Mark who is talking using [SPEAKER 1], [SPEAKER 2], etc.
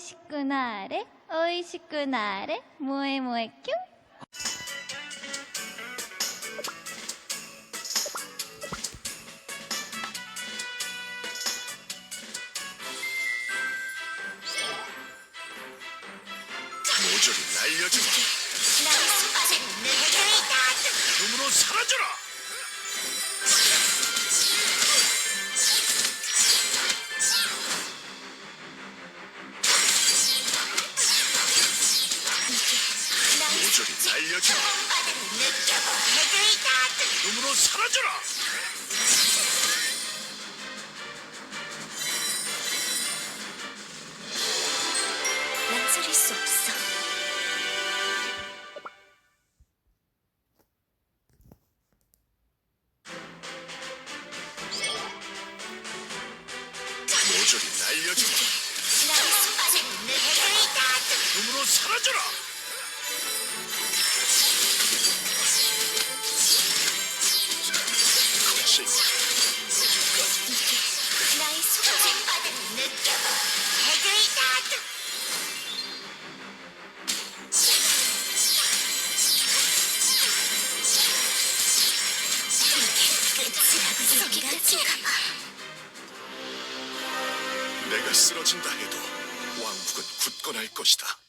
[SPEAKER 1] しくなれおいしくなれ萌え萌えキュン。
[SPEAKER 2] 모조리 날려주마. 눈으로 사라져라. 모조리 날려주마. 눈으로 사라져라.
[SPEAKER 3] 망설일 수 없어.
[SPEAKER 2] 모조리 날려주마. 눈으로 사라져라. 거칠
[SPEAKER 3] 나의 소중함을 느껴봐. 해결이다. 이게 끝이라고 생각할까 봐.
[SPEAKER 2] 내가 쓰러진다 해도 왕국은 굳건할 것이다.